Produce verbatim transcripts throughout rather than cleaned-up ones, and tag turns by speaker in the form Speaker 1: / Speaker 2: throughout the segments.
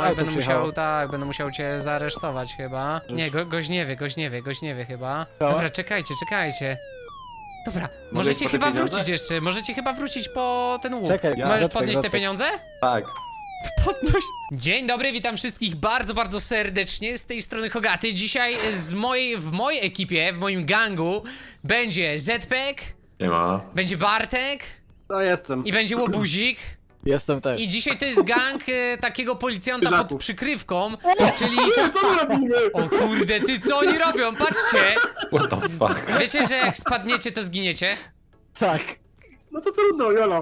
Speaker 1: auto
Speaker 2: będę
Speaker 1: przyjechało.
Speaker 2: musiał, tak, będę musiał cię zaaresztować chyba. Nie, go, goś nie wie, goś nie wie, goś nie wie chyba. Dobra, czekajcie, czekajcie. Dobra, możecie
Speaker 3: po te
Speaker 2: chyba
Speaker 3: pieniądze?
Speaker 2: wrócić jeszcze, możecie chyba wrócić po ten łuk.
Speaker 1: Czekaj,
Speaker 3: Ja-
Speaker 2: Możesz
Speaker 1: Zetek,
Speaker 2: podnieść te
Speaker 1: Zetek.
Speaker 2: pieniądze?
Speaker 3: Tak.
Speaker 2: Podnoś. Dzień dobry, witam wszystkich bardzo, bardzo serdecznie. Z tej strony Hogaty. Dzisiaj z mojej, w mojej ekipie, w moim gangu będzie Zpek,
Speaker 3: Nie ma.
Speaker 2: będzie Bartek
Speaker 4: No jestem.
Speaker 2: i będzie Łobuzik.
Speaker 1: Jestem też.
Speaker 2: I dzisiaj to jest gang e, takiego policjanta pod
Speaker 4: Pyżaków.
Speaker 2: przykrywką, czyli...
Speaker 4: Co my robimy?
Speaker 2: O kurde, ty co oni robią? Patrzcie!
Speaker 3: What the fuck?
Speaker 2: Wiecie, że jak spadniecie, to zginiecie?
Speaker 1: Tak.
Speaker 4: No to trudno, Jolo.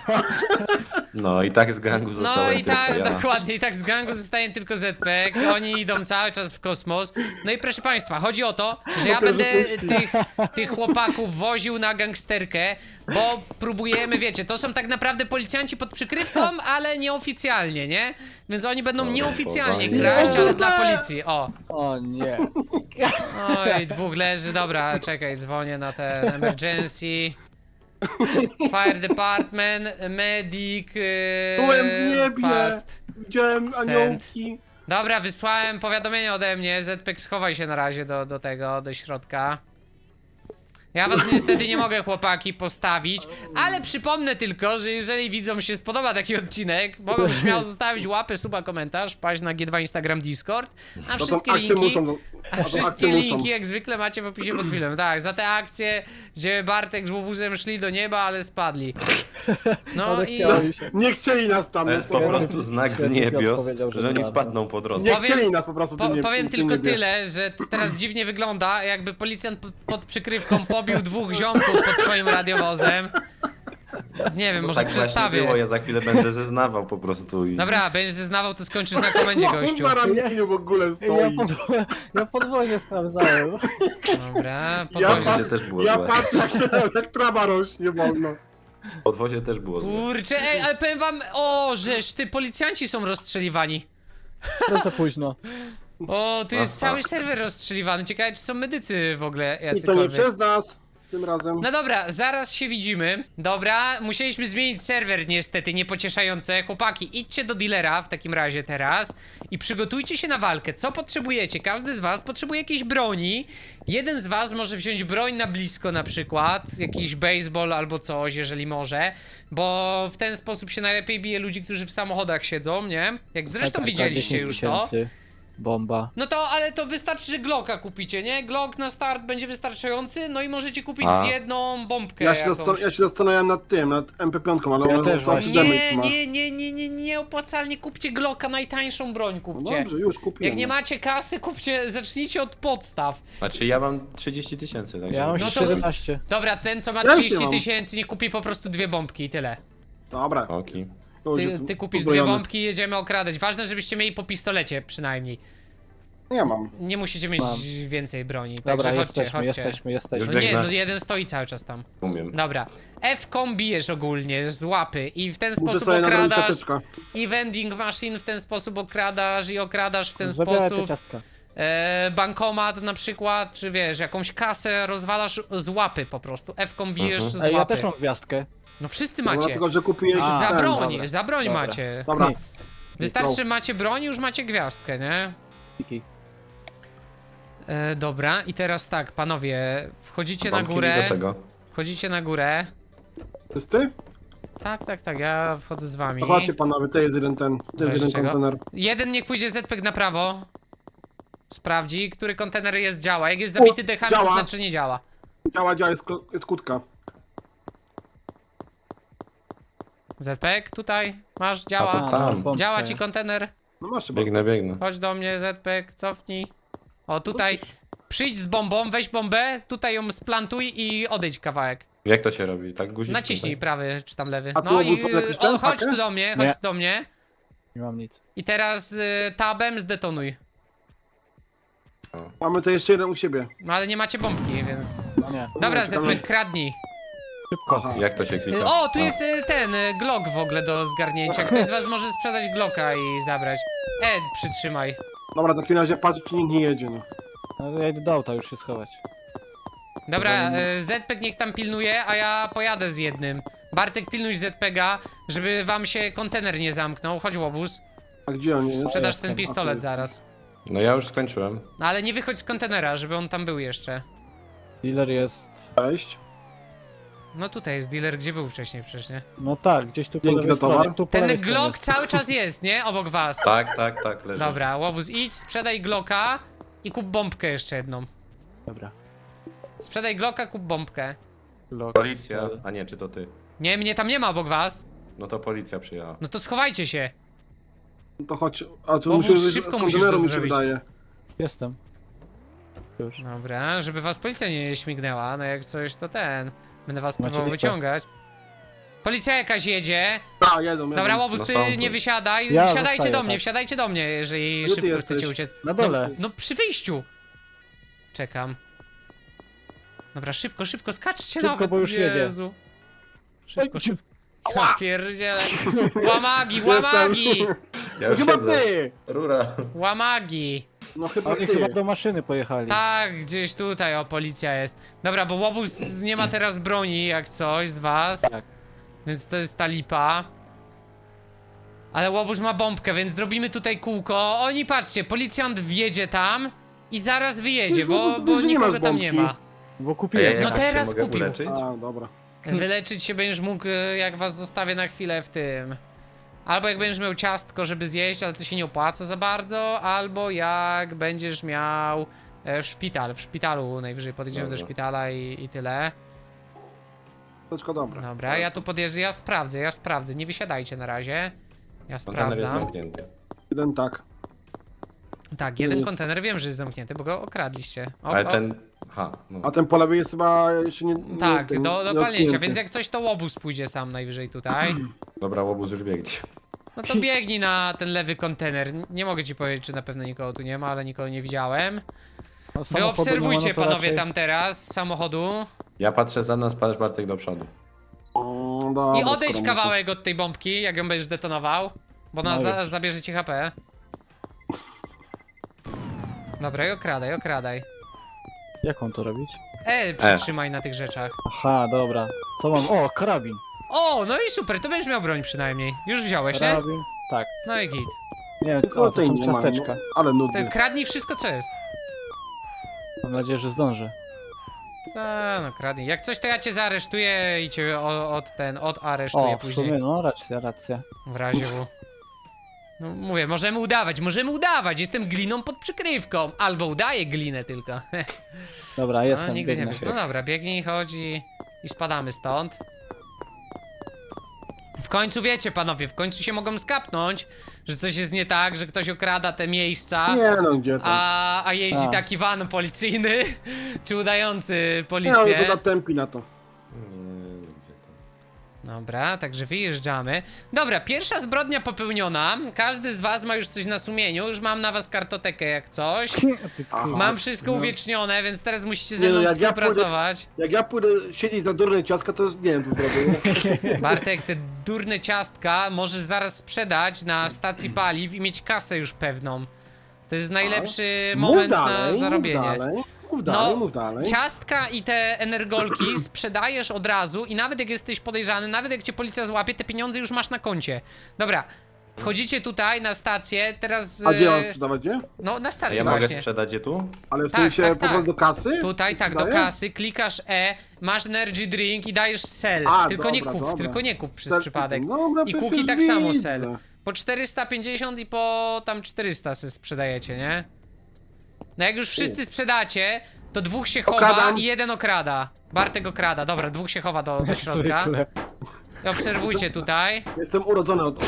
Speaker 3: No i tak z gangu
Speaker 2: No
Speaker 3: zostałem
Speaker 2: i
Speaker 3: tylko
Speaker 2: tak,
Speaker 3: ja.
Speaker 2: dokładnie, i tak z gangu zostaje tylko Zpek, oni idą cały czas w kosmos. No i proszę państwa, chodzi o to, że ja będę tych, tych chłopaków woził na gangsterkę, bo próbujemy, wiecie, to są tak naprawdę policjanci pod przykrywką, ale nieoficjalnie, nie? Więc oni będą nieoficjalnie kraść, ale dla policji, o.
Speaker 1: O nie.
Speaker 2: Oj, dwóch leży, dobra, czekaj, dzwonię na ten emergency. Fire department, medic, yy,
Speaker 4: Byłem w niebie.
Speaker 2: fast.
Speaker 4: Widziałem
Speaker 2: Send.
Speaker 4: aniołki.
Speaker 2: Dobra, wysłałem powiadomienie ode mnie, Zpek, schowaj się na razie do, do tego, do środka. Ja was niestety nie mogę, chłopaki, postawić, ale przypomnę tylko, że jeżeli widzom się spodoba taki odcinek, mogą śmiało zostawić łapę, suba, komentarz, wpaść na G dwa Instagram, Discord, a
Speaker 4: No to
Speaker 2: wszystkie
Speaker 4: akcje
Speaker 2: linki...
Speaker 4: muszą. No,
Speaker 2: A
Speaker 4: to
Speaker 2: wszystkie
Speaker 4: akcje
Speaker 2: linki
Speaker 4: muszą.
Speaker 2: jak zwykle macie w opisie pod filmem. Tak, za te akcje, gdzie Bartek z Łobuzem szli do nieba, ale spadli. No
Speaker 1: Ale
Speaker 2: i
Speaker 1: chciałem się.
Speaker 4: Nie chcieli nas tam.
Speaker 3: To
Speaker 4: no
Speaker 3: jest po
Speaker 4: to-
Speaker 3: prostu znak z
Speaker 1: Świetnie
Speaker 3: niebios,
Speaker 1: powiedział, że
Speaker 3: że oni
Speaker 1: dobra.
Speaker 3: spadną po drodze.
Speaker 4: Nie
Speaker 2: Powiem-
Speaker 4: chcieli nas po prostu.
Speaker 2: po,
Speaker 4: ty nie-
Speaker 2: powiem
Speaker 4: ty
Speaker 2: tylko
Speaker 4: nie wiesz.
Speaker 2: tyle, że to teraz dziwnie wygląda, jakby policjant pod, pod przykrywką pobił dwóch ziomków pod swoim radiowozem. Nie wiem,
Speaker 3: No
Speaker 2: może
Speaker 3: tak właśnie
Speaker 2: przestawię.
Speaker 3: było, ja za chwilę będę zeznawał po prostu i...
Speaker 2: Dobra, będziesz zeznawał, to skończysz na komendzie, gościu.
Speaker 4: Na ramieniu w ogóle
Speaker 1: Ja,
Speaker 4: stoi.
Speaker 1: pod, ja podwozie sprawdzałem.
Speaker 2: Dobra,
Speaker 4: Ja,
Speaker 2: podwozie.
Speaker 3: Podwozie
Speaker 4: pat-
Speaker 3: też było
Speaker 4: ja
Speaker 3: złe.
Speaker 4: patrzę jak, się, jak trawa rośnie wolno.
Speaker 3: Podwozie też było złe.
Speaker 2: Kurczę, ej, ale powiem wam, o, żeż, ty, policjanci są rozstrzeliwani.
Speaker 1: To co późno.
Speaker 2: O, tu jest
Speaker 3: Aha.
Speaker 2: cały serwer rozstrzeliwany. Ciekawe, czy są medycy w ogóle
Speaker 4: I to nie
Speaker 2: jacykolwiek.
Speaker 4: przez nas. Tym razem.
Speaker 2: No dobra, zaraz się widzimy. Dobra, musieliśmy zmienić serwer niestety, niepocieszające. Chłopaki, idźcie do dealera w takim razie teraz i przygotujcie się na walkę. Co potrzebujecie? Każdy z was potrzebuje jakiejś broni. Jeden z was może wziąć broń na blisko na przykład, jakiś baseball albo coś, jeżeli może, bo w ten sposób się najlepiej bije ludzi, którzy w samochodach siedzą, nie? Jak zresztą
Speaker 1: Tak, tak,
Speaker 2: widzieliście
Speaker 1: dziesięć
Speaker 2: już to.
Speaker 1: tysięcy. Bomba.
Speaker 2: No to, ale to wystarczy, że Glocka kupicie, nie? Glock na start będzie wystarczający, no i możecie kupić
Speaker 3: A.
Speaker 2: z jedną bombkę
Speaker 4: Ja się,
Speaker 2: jakąś.
Speaker 4: zastan- ja się zastanawiałem nad tym, nad M P pięć, ale
Speaker 1: Ja
Speaker 4: ona
Speaker 1: też
Speaker 4: cały
Speaker 1: właśnie.
Speaker 4: damage
Speaker 2: Nie,
Speaker 4: ma.
Speaker 2: nie, nie, nie, nie, nie opłacalnie kupcie Glocka, najtańszą broń
Speaker 4: No
Speaker 2: kupcie.
Speaker 4: dobrze, już kupiłem.
Speaker 2: Jak nie macie kasy, kupcie, zacznijcie od podstaw.
Speaker 3: Znaczy ja mam trzydzieści tysięcy, także...
Speaker 1: Ja mam
Speaker 2: No to-
Speaker 1: siedemnaście.
Speaker 2: Dobra, ten co ma
Speaker 4: Ja już nie
Speaker 2: trzydzieści
Speaker 4: mam.
Speaker 2: tysięcy, niech kupi po prostu dwie bombki i tyle.
Speaker 4: Dobra.
Speaker 3: Oki.
Speaker 4: to już
Speaker 2: Ty,
Speaker 4: jestem
Speaker 2: ty kupisz dwie
Speaker 4: uzbrojony.
Speaker 2: bombki i jedziemy okradać. Ważne, żebyście mieli po pistolecie przynajmniej.
Speaker 4: Nie mam.
Speaker 2: Nie musicie mieć
Speaker 1: Mam.
Speaker 2: więcej broni,
Speaker 1: Dobra,
Speaker 2: także chodźcie,
Speaker 1: jesteśmy,
Speaker 2: chodźcie.
Speaker 1: jesteśmy, jesteśmy.
Speaker 2: No nie,
Speaker 3: Biegnę.
Speaker 2: no jeden stoi cały czas tam.
Speaker 3: Umiem.
Speaker 2: Dobra. F-kom bijesz ogólnie z łapy i w ten
Speaker 4: Muszę
Speaker 2: sposób
Speaker 4: sobie nadrobić
Speaker 2: okradasz
Speaker 4: czapeczkę.
Speaker 2: i vending machine w ten sposób okradasz i okradasz w ten
Speaker 1: Zabieraj te
Speaker 2: sposób
Speaker 1: ciastka.
Speaker 2: e, bankomat na przykład, czy wiesz, jakąś kasę rozwalasz z łapy po prostu. F-kom bijesz
Speaker 3: Mhm.
Speaker 2: z
Speaker 1: Ej, ja
Speaker 2: łapy.
Speaker 1: też mam gwiazdkę.
Speaker 2: No wszyscy
Speaker 4: No,
Speaker 2: macie.
Speaker 4: Dlatego, że kupiłeś
Speaker 1: A,
Speaker 2: Za
Speaker 4: ten.
Speaker 2: broń,
Speaker 1: dobra.
Speaker 2: za broń
Speaker 1: Dobra.
Speaker 2: macie.
Speaker 4: Dobra.
Speaker 2: Wystarczy, że macie broń, już macie gwiazdkę, nie?
Speaker 1: Kiki.
Speaker 2: E, dobra, i teraz tak, panowie, wchodzicie na
Speaker 3: Bombki
Speaker 2: górę.
Speaker 3: do czego?
Speaker 2: Wchodzicie na górę.
Speaker 4: To jest ty?
Speaker 2: Tak, tak, tak, ja wchodzę z wami.
Speaker 4: No chodźcie panowie, to jest jeden ten, to
Speaker 2: Weź
Speaker 4: jest jeden
Speaker 2: czego?
Speaker 4: kontener.
Speaker 2: Jeden niech pójdzie Zpek na prawo. Sprawdzi, który kontener jest działa. Jak jest zabity dechami, to
Speaker 4: działa.
Speaker 2: znaczy nie działa.
Speaker 4: Działa, działa, jest, ko- jest kutka.
Speaker 2: Zpek, tutaj, masz,
Speaker 3: A to
Speaker 2: działa.
Speaker 3: tam.
Speaker 1: no, bombka
Speaker 2: Działa ci
Speaker 1: jest.
Speaker 2: kontener.
Speaker 4: No masz chyba.
Speaker 3: Biegnę, biegnę.
Speaker 2: Chodź do mnie, Zpek, cofnij. O, tutaj. Przyjdź z bombą, weź bombę, tutaj ją splantuj i odejdź kawałek.
Speaker 3: Jak to się robi? Tak guzik?
Speaker 2: Naciśnij prawy czy tam lewy.
Speaker 4: A tu
Speaker 2: No i
Speaker 4: obóz ma jakiś
Speaker 2: y,
Speaker 4: ten
Speaker 2: o, chodź
Speaker 4: pakę?
Speaker 2: tu do mnie, chodź
Speaker 1: Nie.
Speaker 2: tu do mnie.
Speaker 1: Nie mam nic.
Speaker 2: I teraz y, tabem zdetonuj.
Speaker 4: Mamy to jeszcze jeden u siebie.
Speaker 2: No ale nie macie bombki, więc...
Speaker 1: No nie.
Speaker 2: Dobra,
Speaker 4: czekamy.
Speaker 2: Zpek, kradnij.
Speaker 1: Szybko.
Speaker 4: Aha.
Speaker 3: Jak to się
Speaker 2: Y,
Speaker 3: klika?
Speaker 2: O, tu
Speaker 3: A.
Speaker 2: jest y, ten y, Glock w ogóle do zgarnięcia. Ktoś z was może sprzedać Glocka i zabrać. E, przytrzymaj.
Speaker 4: Dobra, w takim razie patrz, czy nikt nie jedzie, no.
Speaker 1: No, ja idę do auta już się schować.
Speaker 2: Dobra, y, Zpek niech tam pilnuje, a ja pojadę z jednym. Bartek, pilnuj Zpega, żeby wam się kontener nie zamknął. Chodź, łobuz.
Speaker 4: A gdzie on jest?
Speaker 2: Sprzedasz
Speaker 1: jestem.
Speaker 2: ten pistolet zaraz.
Speaker 3: No ja już skończyłem.
Speaker 2: No ale nie wychodź z kontenera, żeby on tam był jeszcze.
Speaker 1: Dealer jest...
Speaker 4: Cześć.
Speaker 2: No tutaj jest dealer, gdzie był wcześniej przecież, nie?
Speaker 1: No tak, gdzieś tu po
Speaker 4: Dzięki
Speaker 1: lewej
Speaker 4: za towar.
Speaker 1: stronie. Tu po
Speaker 2: Ten
Speaker 1: lewej stronie
Speaker 2: Glock
Speaker 1: jest.
Speaker 2: cały czas jest, nie? Obok was.
Speaker 3: Tak, tak, tak, leży.
Speaker 2: Dobra, łobuz, idź, sprzedaj Glocka i kup bombkę jeszcze jedną.
Speaker 1: Dobra.
Speaker 2: Sprzedaj Glocka, kup bombkę.
Speaker 1: Glock.
Speaker 3: Policja, a nie, czy to ty?
Speaker 2: Nie, mnie tam nie ma obok was.
Speaker 3: No to policja przyjechała.
Speaker 2: No to schowajcie się.
Speaker 4: No to chodź. A tu
Speaker 2: Bo
Speaker 4: musimy
Speaker 2: musisz-
Speaker 4: wyjść
Speaker 2: szybko
Speaker 4: z
Speaker 2: musisz
Speaker 4: konteneru,
Speaker 2: to
Speaker 4: mi się
Speaker 2: zrobić.
Speaker 4: wydaje.
Speaker 1: Jestem. Już.
Speaker 2: Dobra, żeby was policja nie śmignęła, no jak coś to ten. Będę was
Speaker 1: Macie
Speaker 2: próbował
Speaker 1: lipę.
Speaker 2: wyciągać. Policja jakaś jedzie.
Speaker 4: A, jedą, jedą.
Speaker 2: Dobra, łobuz,
Speaker 3: No
Speaker 2: ty
Speaker 3: są tu.
Speaker 2: nie wysiadaj.
Speaker 1: Ja
Speaker 2: Wsiadajcie
Speaker 1: zostaję,
Speaker 2: do mnie,
Speaker 1: tak.
Speaker 2: wsiadajcie do mnie, jeżeli
Speaker 4: Gdzie ty
Speaker 2: szybko
Speaker 4: jesteś?
Speaker 2: chcecie uciec.
Speaker 1: Na dole.
Speaker 2: No, no przy wyjściu. Czekam. Dobra, szybko, szybko, skaczcie
Speaker 1: Szybko,
Speaker 2: nawet,
Speaker 1: bo już jedzie.
Speaker 2: Jezu. Szybko,
Speaker 1: Ej,
Speaker 2: szybko. Ja pierdzielę. Łamagi, łamagi!
Speaker 3: Ja już
Speaker 4: Chyba
Speaker 3: siedzę.
Speaker 4: ty!
Speaker 3: Rura.
Speaker 2: Łamagi.
Speaker 4: No chyba
Speaker 1: Oni
Speaker 4: ty.
Speaker 1: chyba do maszyny pojechali.
Speaker 2: Tak, gdzieś tutaj, o, policja jest. Dobra, bo łobuz nie ma teraz broni, jak coś, z was.
Speaker 1: Tak.
Speaker 2: Więc to jest ta lipa. Ale łobuz ma bombkę, więc zrobimy tutaj kółko. Oni, patrzcie, policjant wjedzie tam i zaraz wyjedzie, bo,
Speaker 4: Łobuz,
Speaker 2: bo
Speaker 4: że nie masz
Speaker 2: nikogo tam nie
Speaker 4: bombki.
Speaker 2: ma.
Speaker 1: Bo
Speaker 3: A
Speaker 1: kupiłem.
Speaker 3: ja
Speaker 2: No
Speaker 3: jakoś się
Speaker 2: teraz
Speaker 3: mogę
Speaker 2: kupił.
Speaker 3: uleczyć?
Speaker 4: A, dobra.
Speaker 2: Wyleczyć się będziesz mógł, e, jak was zostawię na chwilę w tym. Albo jak będziesz miał ciastko, żeby zjeść, ale to się nie opłaca za bardzo. Albo jak będziesz miał e, w szpital. W szpitalu najwyżej podjedziemy do
Speaker 3: Dobra.
Speaker 2: szpitala i, i tyle.
Speaker 4: Toczko dobra.
Speaker 2: Dobra, ja tu podjeżdżę, ja sprawdzę, ja sprawdzę. Nie wysiadajcie na razie. Ja
Speaker 3: Kontener jest
Speaker 2: sprawdzam.
Speaker 3: zamknięty.
Speaker 4: Jeden tak.
Speaker 2: Tak, jeden
Speaker 4: jest-
Speaker 2: kontener wiem, że jest zamknięty, bo go okradliście. O,
Speaker 3: Ale
Speaker 2: o,
Speaker 3: ten... Aha, no.
Speaker 4: A ten po lewej jest chyba jeszcze nie... nie
Speaker 2: Tak,
Speaker 4: ten,
Speaker 2: do, do
Speaker 4: nie
Speaker 2: palnięcia,
Speaker 4: odkryty.
Speaker 2: więc jak coś to łobuz pójdzie sam najwyżej tutaj.
Speaker 3: Dobra, łobuz już biegnie.
Speaker 2: No to biegnij na ten lewy kontener. Nie mogę ci powiedzieć, czy na pewno nikogo tu nie ma, ale nikogo nie widziałem.
Speaker 1: No,
Speaker 2: Wy
Speaker 1: samochodu
Speaker 2: obserwujcie,
Speaker 1: nie ma, no to
Speaker 2: panowie,
Speaker 1: raczej-
Speaker 2: tam teraz z samochodu.
Speaker 3: Ja patrzę za nas, patrz Bartek do przodu.
Speaker 4: O, dobra,
Speaker 2: I odejdź
Speaker 4: skoro
Speaker 2: kawałek od tej bombki, jak ją będziesz detonował. Bo ona
Speaker 1: No
Speaker 2: za,
Speaker 1: już.
Speaker 2: zabierze ci H P. Dobra, i okradaj, okradaj.
Speaker 1: Jak on to robić?
Speaker 2: E, przytrzymaj na tych rzeczach.
Speaker 1: Aha, dobra. Co mam? O, karabin.
Speaker 2: O, no i super, to będziesz miał broń przynajmniej. Już wziąłeś, nie?
Speaker 1: Karabin. Tak.
Speaker 2: No i git.
Speaker 1: Nie,
Speaker 4: muszę.
Speaker 1: o,
Speaker 4: O,
Speaker 1: to
Speaker 4: tej
Speaker 1: są
Speaker 4: nie ma,
Speaker 1: ciasteczka.
Speaker 4: no, ale nudny.
Speaker 2: Ty kradnij wszystko, co jest.
Speaker 1: Mam nadzieję, że zdążę.
Speaker 2: A, no kradnij. Jak coś, to ja cię zaaresztuję i cię o- od ten, odaresztuję
Speaker 1: O, w
Speaker 2: później.
Speaker 1: sumie, no, racja, racja.
Speaker 2: W razie W. No mówię, możemy udawać, możemy udawać. Jestem gliną pod przykrywką. Albo udaję glinę tylko.
Speaker 1: Dobra,
Speaker 2: No,
Speaker 1: jestem,
Speaker 2: nigdy nie
Speaker 1: biegnę.
Speaker 2: wiesz. No dobra, biegnij, chodzi i spadamy stąd. W końcu wiecie, panowie, w końcu się mogą skapnąć, że coś jest nie tak, że ktoś okrada te miejsca.
Speaker 4: Nie no, gdzie tam?
Speaker 2: A, a jeździ
Speaker 1: A.
Speaker 2: taki van policyjny, czy udający
Speaker 4: Nie no,
Speaker 2: policję.
Speaker 4: już tempi na to.
Speaker 3: Nie, gdzie tam?
Speaker 2: Dobra, także wyjeżdżamy. Dobra, pierwsza zbrodnia popełniona. Każdy z was ma już coś na sumieniu. Już mam na was kartotekę jak coś.
Speaker 1: Ty,
Speaker 4: Aha.
Speaker 1: kurwa.
Speaker 2: Mam wszystko
Speaker 4: No.
Speaker 2: uwiecznione, więc teraz musicie ze
Speaker 4: Nie no,
Speaker 2: mną
Speaker 4: jak ja
Speaker 2: współpracować.
Speaker 4: Jak ja pójdę siedzieć za durne ciastka, to nie wiem co zrobię.
Speaker 2: Bartek, te durne ciastka możesz zaraz sprzedać na stacji paliw i mieć kasę już pewną. To jest najlepszy
Speaker 4: Mów
Speaker 2: moment
Speaker 4: dalej,
Speaker 2: na zarobienie.
Speaker 4: Mów dalej, mów dalej,
Speaker 2: No,
Speaker 4: mów dalej.
Speaker 2: ciastka i te energolki sprzedajesz od razu i nawet jak jesteś podejrzany, nawet jak cię policja złapie, te pieniądze już masz na koncie. Dobra, wchodzicie tutaj na stację, teraz...
Speaker 4: A gdzie mam
Speaker 2: e,
Speaker 4: sprzedawać, gdzie?
Speaker 2: No, na
Speaker 3: A
Speaker 2: stację
Speaker 3: ja mogę
Speaker 2: właśnie.
Speaker 3: sprzedać je tu?
Speaker 4: Ale w
Speaker 2: Tak,
Speaker 4: sensie
Speaker 2: tak,
Speaker 4: po prostu
Speaker 2: tak.
Speaker 4: do kasy?
Speaker 2: Tutaj, tak, do
Speaker 4: Sprzedaję?
Speaker 2: kasy, klikasz E, masz energy drink i dajesz sell.
Speaker 4: A,
Speaker 2: tylko nie
Speaker 4: dobra,
Speaker 2: kup,
Speaker 4: dobra.
Speaker 2: tylko nie kup przez
Speaker 4: Ser-
Speaker 2: przypadek.
Speaker 4: Dobra,
Speaker 2: I
Speaker 4: przecież
Speaker 2: kuki tak samo
Speaker 4: widzę.
Speaker 2: sell. Po czterysta pięćdziesiąt i po tam czterysta se sprzedajecie, nie? No jak już wszyscy sprzedacie, to dwóch się chowa
Speaker 4: Okradam.
Speaker 2: i jeden okrada. Bartek okrada, dobra, dwóch się chowa do, do środka.
Speaker 1: Zwykle.
Speaker 2: I obserwujcie tutaj.
Speaker 4: Jestem urodzony od...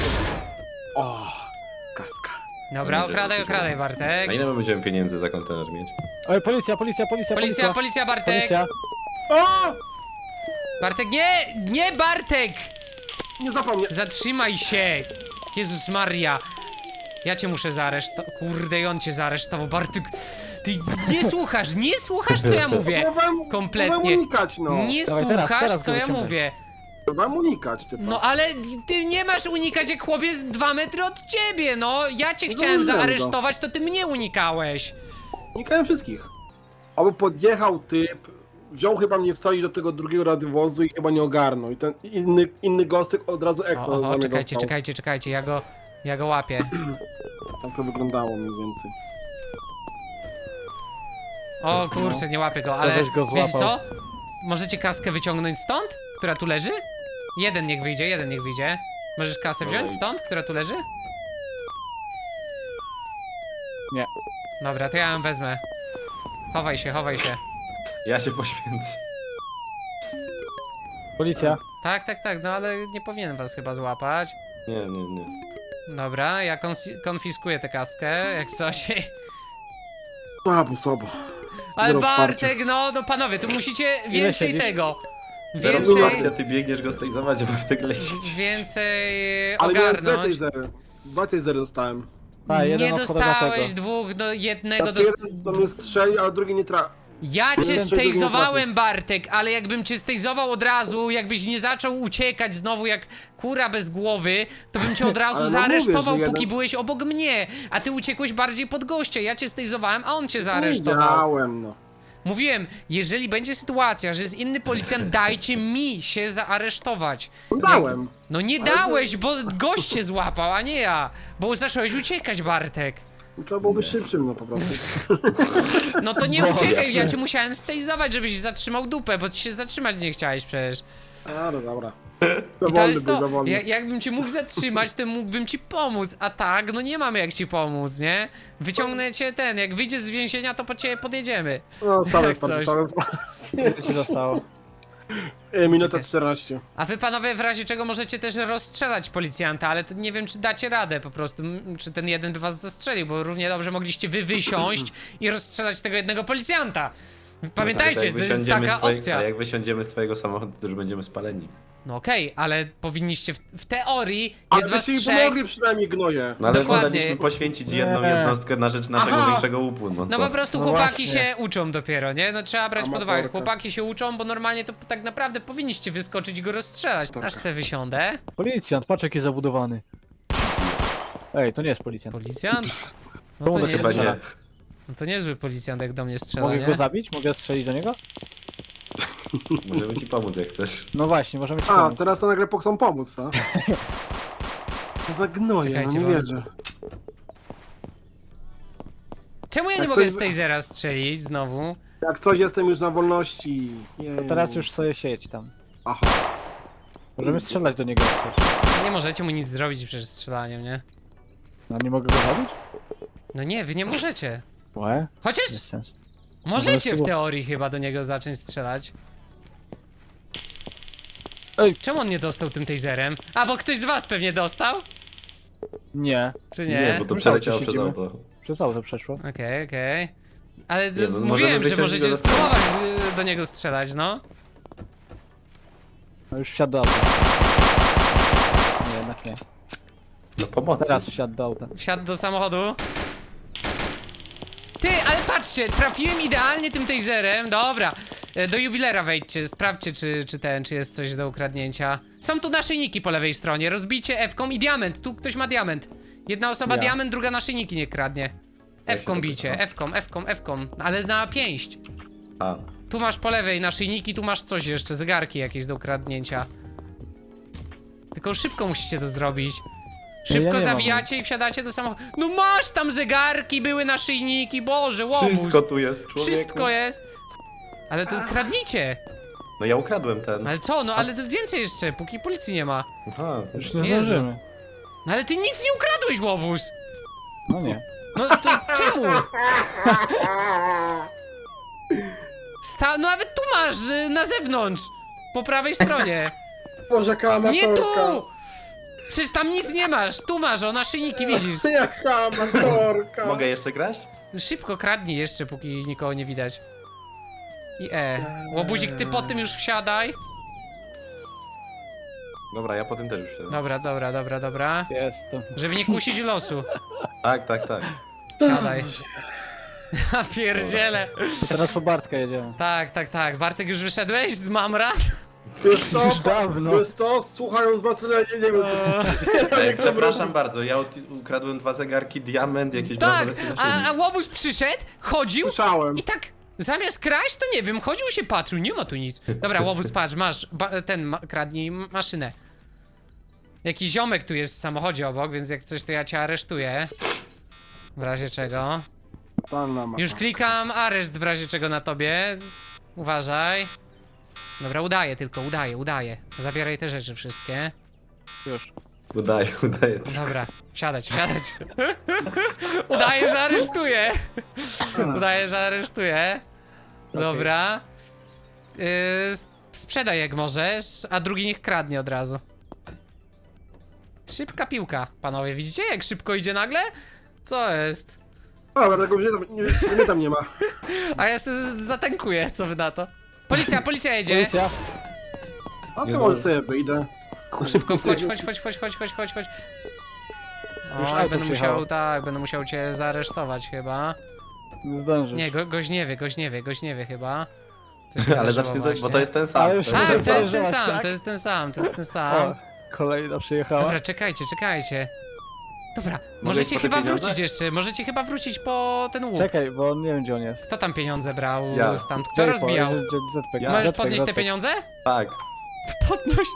Speaker 4: O, kaska.
Speaker 2: Dobra, okradaj, okradaj
Speaker 3: A
Speaker 2: Bartek.
Speaker 3: ile my będziemy pieniędzy za kontener mieć?
Speaker 1: Oj, policja, policja, policja,
Speaker 2: Policja, policja Bartek.
Speaker 1: Policja.
Speaker 4: O!
Speaker 2: Bartek, nie, nie Bartek!
Speaker 4: Nie zapomnę.
Speaker 2: Zatrzymaj się! Jezus Maria! Ja cię muszę zaaresztować. Kurde, i on cię zaaresztował. Bartek, ty nie słuchasz, nie słuchasz, co ja mówię!
Speaker 4: Próbowałem,
Speaker 2: Kompletnie.
Speaker 4: próbowałem unikać, no.
Speaker 2: Nie
Speaker 1: Dawaj, teraz,
Speaker 2: słuchasz,
Speaker 1: teraz
Speaker 2: co
Speaker 1: go
Speaker 2: ja
Speaker 1: wyciągaj.
Speaker 2: mówię.
Speaker 4: Próbowałem unikać, ty.
Speaker 2: No ale ty nie masz unikać, jak chłopiec jest dwa metry od ciebie, no! Ja cię
Speaker 4: No
Speaker 2: chciałem
Speaker 4: wiem, no.
Speaker 2: zaaresztować, to ty mnie unikałeś.
Speaker 4: Unikałem wszystkich. Aby podjechał typ, wziął chyba mnie wsadzić do tego drugiego radiowozu i chyba nie ogarnął. I ten inny, inny gostek od razu
Speaker 2: O,
Speaker 4: ekstra
Speaker 2: oho,
Speaker 4: za mnie
Speaker 2: czekajcie,
Speaker 4: dostał.
Speaker 2: czekajcie, czekajcie, ja go Ja go łapię.
Speaker 4: Tak to wyglądało mniej więcej.
Speaker 2: O kurczę, nie łapię go, ale
Speaker 1: Ktoś go
Speaker 2: wiesz
Speaker 1: złapał.
Speaker 2: co? Możecie kaskę wyciągnąć stąd? Która tu leży? Jeden niech wyjdzie, jeden niech wyjdzie. Możesz kasę wziąć
Speaker 3: Oj.
Speaker 2: stąd, która tu leży?
Speaker 1: Nie.
Speaker 2: Dobra, to ja ją wezmę. Chowaj się, chowaj się.
Speaker 3: Ja się poświęcę.
Speaker 1: Policja.
Speaker 2: Tak, tak, tak, no ale nie powinienem was chyba złapać.
Speaker 3: Nie, nie, nie.
Speaker 2: Dobra, ja konsi- konfiskuję tę kaskę, jak coś.
Speaker 4: Słabo, słabo.
Speaker 2: Ale
Speaker 4: Zero
Speaker 2: Bartek, no, no panowie, tu musicie więcej
Speaker 1: siedzisz?
Speaker 2: tego.
Speaker 3: Więcej...
Speaker 2: Więcej,
Speaker 3: ty biegniesz go stejzować, a Bartek leci gdzieś.
Speaker 2: więcej
Speaker 4: Ale miałem dwa
Speaker 2: ogarnąć.
Speaker 4: tasery. Dwa tasery dostałem.
Speaker 1: A, jeden
Speaker 2: Nie
Speaker 1: od
Speaker 2: dostałeś
Speaker 1: Hodoratego.
Speaker 2: dwóch, no jednego
Speaker 4: Znaczy
Speaker 2: dost...
Speaker 4: jeden do mnie strzeli, a drugi nie tra...
Speaker 2: Ja cię
Speaker 4: Jeden, że drugi nie
Speaker 2: stejzowałem, Bartek, ale jakbym cię stejzował od razu, jakbyś nie zaczął uciekać znowu jak kura bez głowy, to bym cię od razu
Speaker 4: Ale no
Speaker 2: zaaresztował,
Speaker 4: mówię, że
Speaker 2: póki
Speaker 4: jeden-
Speaker 2: byłeś obok mnie, a ty uciekłeś bardziej pod gościa. Ja cię stejzowałem, a on cię zaaresztował.
Speaker 4: Widziałem, no.
Speaker 2: Mówiłem, jeżeli będzie sytuacja, że jest inny policjant, dajcie mi się zaaresztować.
Speaker 4: Dałem.
Speaker 2: No nie dałeś, bo gość cię złapał, a nie ja. Bo zacząłeś uciekać, Bartek.
Speaker 4: Trzeba byłoby szybszym, no po prostu.
Speaker 2: No to nie uciekaj, ja cię musiałem stejzować, żebyś zatrzymał dupę, bo ty się zatrzymać nie chciałeś przecież.
Speaker 4: A, no dobra.
Speaker 2: I to
Speaker 4: Dowolny
Speaker 2: jest
Speaker 4: był,
Speaker 2: to,
Speaker 4: dowolny.
Speaker 2: ja, jakbym cię mógł zatrzymać, to mógłbym ci pomóc, a tak, no nie mamy jak ci pomóc, nie? Wyciągnę cię ten, jak wyjdziesz z więzienia, to po ciebie podjedziemy.
Speaker 4: No, same
Speaker 2: Jak
Speaker 4: spadły,
Speaker 2: coś.
Speaker 4: same spadły.
Speaker 1: Ile ci zostało?
Speaker 4: E, Minuta
Speaker 2: Czekaj.
Speaker 4: czternaście.
Speaker 2: A wy panowie w razie czego możecie też rozstrzelać policjanta, ale to nie wiem czy dacie radę po prostu, m, czy ten jeden by was zastrzelił, bo równie dobrze mogliście wy wysiąść i rozstrzelać tego jednego policjanta. Pamiętajcie,
Speaker 3: No tak,
Speaker 2: to jest
Speaker 3: wysiądziemy
Speaker 2: taka
Speaker 3: z twoje-
Speaker 2: opcja.
Speaker 3: A jak wysiądziemy z twojego samochodu, to już będziemy spaleni.
Speaker 2: No okej, ale powinniście w, w teorii,
Speaker 4: Ale
Speaker 2: jest was
Speaker 4: byście mi
Speaker 2: trzech.
Speaker 4: pomogli przynajmniej, gnoje.
Speaker 3: No ale
Speaker 2: Dokładnie.
Speaker 3: woleliśmy poświęcić jedną
Speaker 1: Nie.
Speaker 3: jednostkę na rzecz naszego
Speaker 4: Aha.
Speaker 3: większego łupu, no
Speaker 2: No
Speaker 3: co?
Speaker 2: po prostu
Speaker 1: No
Speaker 2: chłopaki
Speaker 1: właśnie.
Speaker 2: się uczą dopiero, nie? No trzeba brać pod uwagę.
Speaker 4: Amatorka.
Speaker 2: Chłopaki się uczą, bo normalnie to tak naprawdę powinniście wyskoczyć i go rozstrzelać. Aż se wysiądę.
Speaker 1: Policjant, patrz jaki zabudowany. Ej, to nie jest policjant.
Speaker 2: Policjant? No
Speaker 1: Czemu
Speaker 2: to,
Speaker 1: do ciebie
Speaker 3: Chyba
Speaker 2: niezły,
Speaker 3: nie.
Speaker 2: no to niezły policjant jak do mnie strzela,
Speaker 1: Mogę
Speaker 2: nie?
Speaker 1: go zabić? Mogę strzelić do niego?
Speaker 3: Możemy ci pomóc jak chcesz.
Speaker 1: No właśnie, możemy ci
Speaker 4: A,
Speaker 1: pomóc.
Speaker 4: teraz to nagle chcą pomóc, co? To za gnoje, no
Speaker 2: Czekajcie,
Speaker 4: nie
Speaker 2: bo-
Speaker 4: wierzę.
Speaker 2: Czemu ja nie
Speaker 4: Jak
Speaker 2: mogę
Speaker 4: coś-
Speaker 2: z tasera strzelić znowu?
Speaker 4: Jak coś, jestem już na wolności. Jej.
Speaker 1: To teraz już sobie siedź tam.
Speaker 4: Aha.
Speaker 1: Możemy strzelać do niego jak chcesz.
Speaker 2: Nie możecie mu nic zrobić przez strzelaniem, nie?
Speaker 1: No nie mogę go zabić?
Speaker 2: No nie, wy nie możecie.
Speaker 1: Łe?
Speaker 2: Chociaż
Speaker 1: Bez sensu.
Speaker 2: możecie w
Speaker 1: spróbować.
Speaker 2: teorii chyba do niego zacząć strzelać.
Speaker 1: Ej.
Speaker 2: Czemu on nie dostał tym taserem? A, bo ktoś z was pewnie dostał?
Speaker 1: Nie,
Speaker 2: Czy nie?
Speaker 3: Nie, bo to
Speaker 1: My
Speaker 3: przeleciało
Speaker 1: tam
Speaker 3: przez
Speaker 1: siedzimy.
Speaker 3: auto.
Speaker 1: przez auto przeszło.
Speaker 2: Okej, okej. Ale d-
Speaker 3: Nie, no, możemy
Speaker 2: mówiłem, że
Speaker 3: wysiąść i
Speaker 2: możecie
Speaker 3: go
Speaker 2: spróbować y, do niego strzelać, no.
Speaker 1: No już wsiadł do auta. Nie, jednak nie.
Speaker 3: No pomocy.
Speaker 1: Teraz wsiadł do auta.
Speaker 2: Wsiadł do samochodu. Ty, ale patrzcie, trafiłem idealnie tym taserem. Dobra, e, do jubilera wejdźcie, sprawdźcie czy, czy ten, czy jest coś do ukradnięcia. Są tu naszyjniki po lewej stronie, rozbijcie F-ką i diament, tu ktoś ma diament. Jedna osoba
Speaker 1: Ja.
Speaker 2: diament, druga naszyjniki nie kradnie.
Speaker 3: Ja się
Speaker 2: F-ką
Speaker 3: tak-
Speaker 2: bijcie,
Speaker 3: aha.
Speaker 2: F-ką, F-ką, F-ką, ale na pięść.
Speaker 3: A,
Speaker 2: Tu masz po lewej naszyjniki, tu masz coś jeszcze, zegarki jakieś do ukradnięcia. Tylko szybko musicie to zrobić.
Speaker 1: Ja
Speaker 2: Szybko
Speaker 1: nie mam
Speaker 2: zawijacie i wsiadacie do samochodu. No masz tam zegarki, były naszyjniki, Boże, łobuz.
Speaker 3: wszystko tu jest, człowieku.
Speaker 2: Wszystko jest. Ale to kradnijcie.
Speaker 3: No ja ukradłem ten.
Speaker 2: Ale co, no ale to więcej jeszcze, póki policji nie ma.
Speaker 3: Aha.
Speaker 1: Już nie
Speaker 2: Jezu.
Speaker 1: zdążymy.
Speaker 2: No ale ty nic nie ukradłeś, łobuz.
Speaker 1: No nie.
Speaker 2: No to czemu? Sta no nawet tu masz, y, na zewnątrz. Po prawej stronie.
Speaker 4: Boże, jaka
Speaker 2: Nie
Speaker 4: amatorka.
Speaker 2: tu! Przecież tam nic nie masz, tu masz, o naszyjniki widzisz.
Speaker 4: Jaka amatorka.
Speaker 3: Mogę jeszcze kraść?
Speaker 2: Szybko kradnij jeszcze, póki nikogo nie widać. I E. Łobuzik, ty po tym już wsiadaj.
Speaker 3: Dobra, ja po tym też już siedzę.
Speaker 2: Dobra, dobra, dobra, dobra.
Speaker 1: Jestem.
Speaker 2: Żeby nie kusić losu.
Speaker 3: Tak, tak, tak.
Speaker 2: Siadaj. Ja pierdzielę.
Speaker 1: Teraz po Bartka jedziemy.
Speaker 2: Tak, tak, tak. Bartek, już wyszedłeś z Mamrat?
Speaker 4: Wiesz co?
Speaker 1: Już dawno.
Speaker 4: Wiesz co? Słuchając was, tyle nie, nie wiem. czy-
Speaker 3: Ej, przepraszam bardzo, ja ut- ukradłem dwa zegarki, diament, jakieś
Speaker 2: Tak,
Speaker 3: bransolety na
Speaker 2: a,
Speaker 3: siebie.
Speaker 2: a łobuz przyszedł, chodził
Speaker 4: Słyszałem.
Speaker 2: i tak zamiast kraść, to nie wiem, chodził się patrzył, nie ma tu nic. Dobra, łobuz, patrz, masz ba ten, ma kradnij maszynę. Jakiś ziomek tu jest w samochodzie obok, więc jak coś to ja cię aresztuję. W razie czego.
Speaker 4: Tam na
Speaker 2: Już klikam areszt w razie czego na tobie. Uważaj. Dobra, udaję tylko, udaję, udaję. Zabieraj te rzeczy wszystkie.
Speaker 1: Już.
Speaker 3: Udaje, udaje.
Speaker 2: Dobra, wsiadać, wsiadać. Udaję, że aresztuję. Udaję, że aresztuję. Dobra. Yy, s- sprzedaj jak możesz, a drugi niech kradnie od razu. Szybka piłka, panowie. Widzicie jak szybko idzie nagle? Co jest?
Speaker 4: Dobra, tego mnie tam nie, mnie tam nie ma.
Speaker 2: A ja sobie z- zatankuję, co wy na to? Policja, policja jedzie.
Speaker 1: Policja.
Speaker 4: A
Speaker 3: Nie
Speaker 4: to może
Speaker 3: znam.
Speaker 4: sobie wyjdę.
Speaker 2: Szybko wchodź, chodź, chodź, chodź, chodź, chodź, chodź, chodź.
Speaker 1: Już
Speaker 2: O,
Speaker 1: auto
Speaker 2: będę
Speaker 1: przyjechało.
Speaker 2: musiał, tak, będę musiał cię zaaresztować chyba.
Speaker 1: Nie zdążysz.
Speaker 2: Nie, go, goś nie wie, goś nie wie, goś nie wie chyba. Coś mi
Speaker 3: Ale
Speaker 2: wydarzyło
Speaker 3: zacznij coś, bo
Speaker 2: właśnie.
Speaker 3: to jest ten sam.
Speaker 1: Ale już
Speaker 3: To jest
Speaker 2: Tak,
Speaker 3: ten
Speaker 2: to
Speaker 3: sam.
Speaker 2: jest ten
Speaker 1: Zdążyłaś,
Speaker 2: sam,
Speaker 1: tak?
Speaker 2: to jest ten sam, to jest ten
Speaker 1: O,
Speaker 2: sam.
Speaker 1: kolejna przyjechała.
Speaker 2: Dobra, czekajcie, czekajcie. Dobra,
Speaker 3: iść
Speaker 2: możecie
Speaker 3: po te
Speaker 2: chyba
Speaker 3: pieniądze?
Speaker 2: wrócić jeszcze, możecie chyba wrócić po ten łup.
Speaker 1: Czekaj, bo on nie wiem gdzie on jest.
Speaker 2: Kto tam pieniądze brał
Speaker 3: Ja.
Speaker 2: stamtąd? Kto rozbijał?
Speaker 3: Ja.
Speaker 2: Możesz podnieść te pieniądze?
Speaker 3: Tak.
Speaker 2: Podnoś.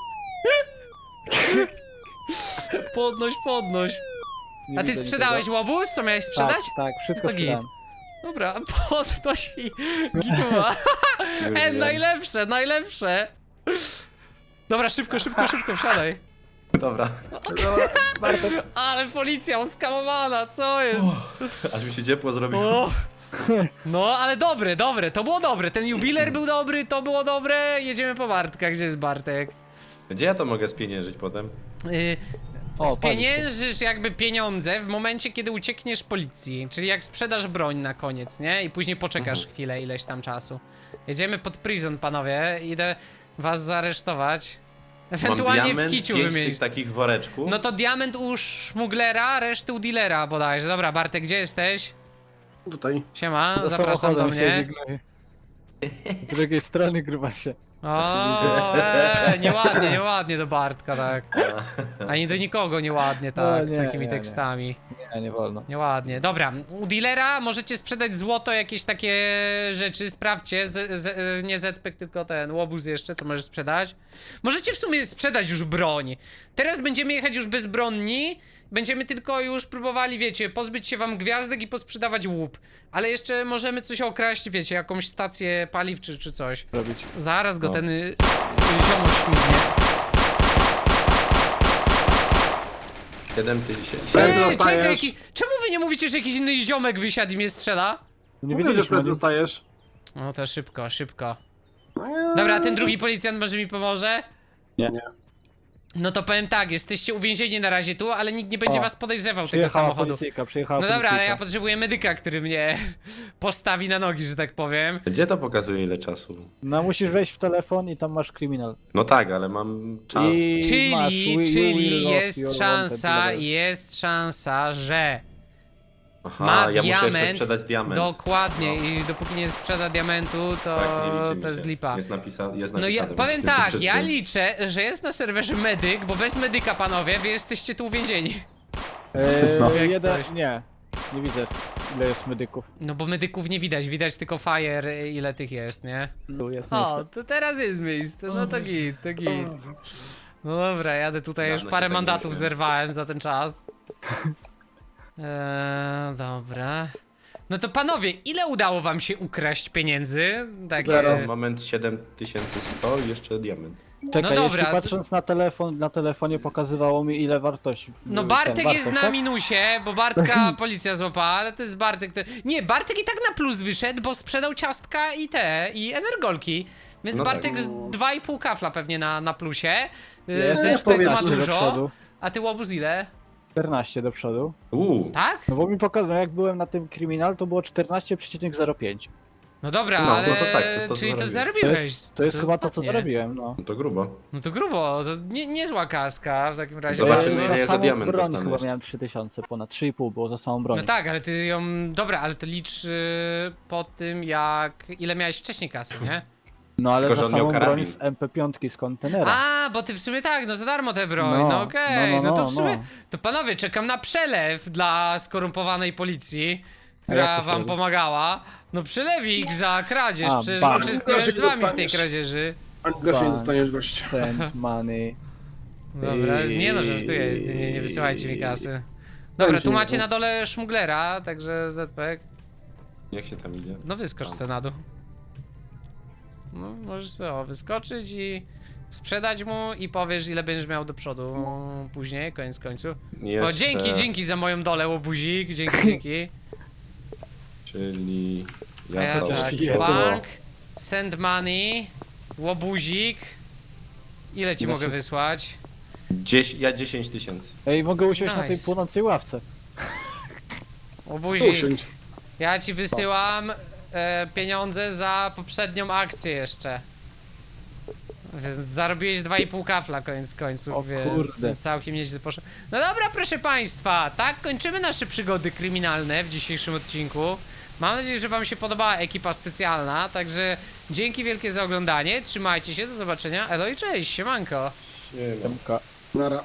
Speaker 2: Podnoś, podnoś. A ty sprzedałeś łobuz? Co miałeś sprzedać?
Speaker 1: Tak, tak, wszystko
Speaker 2: To git.
Speaker 1: sprzedałem.
Speaker 2: Dobra, podnoś i gituwa.
Speaker 3: Już
Speaker 2: E,
Speaker 3: wiem.
Speaker 2: najlepsze, najlepsze. Dobra, szybko, szybko, szybko, wsiadaj.
Speaker 3: Dobra.
Speaker 2: Ale policja oskamowana, co jest?
Speaker 3: Aż mi się ciepło zrobiło.
Speaker 2: O. No, ale dobre, dobre, to było dobre. Ten jubiler był dobry, to było dobre. Jedziemy po Bartka, gdzie jest Bartek?
Speaker 3: Gdzie ja to mogę spieniężyć potem?
Speaker 2: Yy,
Speaker 1: O,
Speaker 2: spieniężysz jakby pieniądze w momencie, kiedy uciekniesz policji. Czyli jak sprzedasz broń na koniec, nie? I później poczekasz chwilę, ileś tam czasu. Jedziemy pod prison, panowie. Idę was zaaresztować. Ewentualnie
Speaker 3: Mam
Speaker 2: w
Speaker 3: diament,
Speaker 2: kiciu
Speaker 3: pięć
Speaker 2: wymienić.
Speaker 3: tych takich woreczków.
Speaker 2: No to diament u szmuglera, reszty u dealera bodajże. Dobra, Bartek, gdzie jesteś?
Speaker 4: Tutaj.
Speaker 2: Siema,
Speaker 1: Za
Speaker 2: zapraszam do
Speaker 1: samochodem
Speaker 2: mnie.
Speaker 1: siedzi gnoj. Z drugiej strony gruba się.
Speaker 2: O, eee, nieładnie, nieładnie do Bartka, tak. Ani do nikogo nieładnie, tak,
Speaker 1: No, nie,
Speaker 2: takimi
Speaker 1: nie, nie.
Speaker 2: tekstami.
Speaker 1: Nie, nie wolno.
Speaker 2: Nieładnie. Dobra, u dealera możecie sprzedać złoto, jakieś takie rzeczy, sprawdźcie, z, z, nie Zpek, tylko ten łobuz jeszcze, co możesz sprzedać. Możecie w sumie sprzedać już broń. Teraz będziemy jechać już bezbronni, będziemy tylko już próbowali, wiecie, pozbyć się wam gwiazdek i posprzedawać łup. Ale jeszcze możemy coś okraść, wiecie, jakąś stację paliw czy, czy coś.
Speaker 1: Robić.
Speaker 2: Zaraz go
Speaker 3: No.
Speaker 2: ten y, y, ziomuś śmignie.
Speaker 3: siedem tysięcy.
Speaker 4: Ej,
Speaker 2: Ej,
Speaker 4: dostajesz.
Speaker 2: czekaj, jaki, czemu wy nie mówicie, że jakiś inny ziomek wysiadł i mnie strzela?
Speaker 1: Nie
Speaker 4: Mówię, że
Speaker 1: wiedzieliśmy.
Speaker 4: prezes
Speaker 1: nie-
Speaker 4: dostajesz.
Speaker 2: No to szybko, szybko.
Speaker 4: Eee,
Speaker 2: Dobra, a ten drugi policjant może mi pomoże?
Speaker 1: Nie.
Speaker 4: Nie.
Speaker 2: No to powiem tak, jesteście uwięzieni na razie tu, ale nikt nie będzie
Speaker 1: O,
Speaker 2: was podejrzewał tego
Speaker 1: Przyjechała
Speaker 2: samochodu.
Speaker 1: policyjka, przyjechała
Speaker 2: No dobra, ale ja
Speaker 1: policyjka.
Speaker 2: potrzebuję medyka, który mnie postawi na nogi, że tak powiem.
Speaker 3: Gdzie to pokazuje ile czasu?
Speaker 1: No musisz wejść w telefon i tam masz kryminal.
Speaker 3: No tak, ale mam czas.
Speaker 1: I masz,
Speaker 2: Czyli,
Speaker 1: we- we
Speaker 2: czyli
Speaker 1: will lost your
Speaker 2: jest
Speaker 1: wanted
Speaker 2: szansa,
Speaker 1: level.
Speaker 2: jest szansa, że
Speaker 3: Aha,
Speaker 2: ma
Speaker 3: ja muszę jeszcze
Speaker 2: diament,
Speaker 3: sprzedać diament.
Speaker 2: dokładnie,
Speaker 3: No.
Speaker 2: i dopóki nie sprzeda diamentu, to,
Speaker 3: Tak, nie liczy mi
Speaker 2: to jest
Speaker 3: się.
Speaker 2: lipa.
Speaker 3: Jest, napisa jest
Speaker 2: No
Speaker 3: napisane.
Speaker 2: ja powiem
Speaker 3: w tym
Speaker 2: tak,
Speaker 3: wszystkim.
Speaker 2: ja liczę, że jest na serwerze medyk, bo bez medyka, panowie, wy jesteście tu uwięzieni.
Speaker 1: Eee,
Speaker 2: No. Jak
Speaker 1: jeden,
Speaker 2: coś.
Speaker 1: nie. Nie widzę ile jest medyków.
Speaker 2: No bo medyków nie widać, widać tylko fire, ile tych jest, nie?
Speaker 1: Tu jest
Speaker 2: O,
Speaker 1: miejsce.
Speaker 2: to teraz jest miejsce, no to git, to git. No dobra, jadę tutaj, już
Speaker 3: Dawno
Speaker 2: parę
Speaker 3: się tak
Speaker 2: mandatów
Speaker 3: nie
Speaker 2: zerwałem za ten czas. Eee, dobra. No to panowie, ile udało wam się ukraść pieniędzy? Takie...
Speaker 4: Zero.
Speaker 3: Na moment siedem tysięcy sto i jeszcze diament.
Speaker 1: Czekaj,
Speaker 2: no dobra,
Speaker 1: jeśli patrząc na telefon, na telefonie pokazywało mi ile wartości.
Speaker 2: No
Speaker 1: ten
Speaker 2: Bartek jest na
Speaker 1: tak?
Speaker 2: minusie, bo Bartka policja złapała, ale to jest Bartek. To... Nie, Bartek i tak na plus wyszedł, bo sprzedał ciastka i te, i energolki. Więc
Speaker 3: No tak.
Speaker 2: Bartek z dwa i pół kafla pewnie na, na plusie.
Speaker 1: Jest
Speaker 2: Zpek ma
Speaker 1: czternaście do
Speaker 2: dużo,
Speaker 1: przodu.
Speaker 2: a ty łobuz ile?
Speaker 1: czternaście do przodu.
Speaker 3: Uuu,
Speaker 2: Tak?
Speaker 1: No bo mi pokazał, jak byłem na tym kryminal, to było czternaście przecinek zero pięć.
Speaker 2: No dobra,
Speaker 3: No,
Speaker 2: ale
Speaker 3: no to tak, to jest to, co
Speaker 2: czyli to
Speaker 1: To
Speaker 2: zarobiłeś.
Speaker 1: jest, to jest chyba to, co
Speaker 2: ładnie.
Speaker 1: zarobiłem, no.
Speaker 3: no to grubo.
Speaker 2: No to grubo, to nie, niezła kaska w takim razie.
Speaker 3: Zobaczymy,
Speaker 1: Eee,
Speaker 3: ile ja za
Speaker 1: samą
Speaker 3: diament
Speaker 1: broń
Speaker 3: dostanę
Speaker 1: chyba
Speaker 3: jeszcze.
Speaker 1: miałem trzy tysiące, ponad trzy i pół było za samą broń.
Speaker 2: No tak, ale ty ją... Dobra, ale to licz y, po tym jak... Ile miałeś wcześniej kasy, nie?
Speaker 1: No ale
Speaker 3: Tylko,
Speaker 1: za
Speaker 3: że on miał
Speaker 1: samą broń
Speaker 3: karabin.
Speaker 1: z M P pięć z kontenera.
Speaker 2: A, bo ty w sumie tak, no za darmo tę broń, no,
Speaker 1: No,
Speaker 2: okej, no,
Speaker 1: no, no,
Speaker 2: to
Speaker 1: no,
Speaker 2: w sumie,
Speaker 1: no.
Speaker 2: to panowie, czekam na przelew dla skorumpowanej policji,
Speaker 1: jak
Speaker 2: która
Speaker 1: to się
Speaker 2: wam
Speaker 1: robi?
Speaker 2: pomagała. No przylewik za kradzież,
Speaker 1: A,
Speaker 2: przecież
Speaker 1: bam.
Speaker 2: uczestniczyłem z
Speaker 4: Groszy
Speaker 2: wami w tej
Speaker 4: dostaniesz.
Speaker 2: kradzieży.
Speaker 4: Ani grosza nie
Speaker 1: Ban.
Speaker 4: dostaniesz gość.
Speaker 1: Send money.
Speaker 2: Dobra,
Speaker 1: I-
Speaker 2: nie no, żartuję, nie, nie wysyłajcie mi kasy. Dobra, tu macie na dole szmuglera, także Z P K.
Speaker 3: Jak się tam idzie?
Speaker 2: No wyskocz se na dół. No, możesz sobie o, wyskoczyć i sprzedać mu i powiesz, ile będziesz miał do przodu później, koniec końców. O,
Speaker 3: Jeszcze,
Speaker 2: dzięki, dzięki za moją dolę, łobuzik, dzięki, dzięki.
Speaker 3: Czyli...
Speaker 2: A ja
Speaker 3: Ja
Speaker 2: tak,
Speaker 3: całość.
Speaker 1: je-
Speaker 2: bank, send money, łobuzik. Ile ci
Speaker 1: Ile
Speaker 2: mogę
Speaker 1: się-
Speaker 2: wysłać?
Speaker 3: Dzies... Ja dziesięć tysięcy.
Speaker 1: Ej, mogę usiąść na tej
Speaker 2: Nice.
Speaker 1: płonącej ławce.
Speaker 2: Łobuzik,
Speaker 4: Usiądź.
Speaker 2: ja ci wysyłam e, pieniądze za poprzednią akcję jeszcze. Więc zarobiłeś dwa i pół kafla koniec końców,
Speaker 1: O
Speaker 2: więc
Speaker 1: kurde.
Speaker 2: całkiem nieźle poszło. No dobra, proszę państwa, tak kończymy nasze przygody kryminalne w dzisiejszym odcinku. Mam nadzieję, że wam się podobała ekipa specjalna, także dzięki wielkie za oglądanie, trzymajcie się, do zobaczenia, elo i cześć, siemanko.
Speaker 3: Nie ma.
Speaker 1: Demka.
Speaker 4: Nara.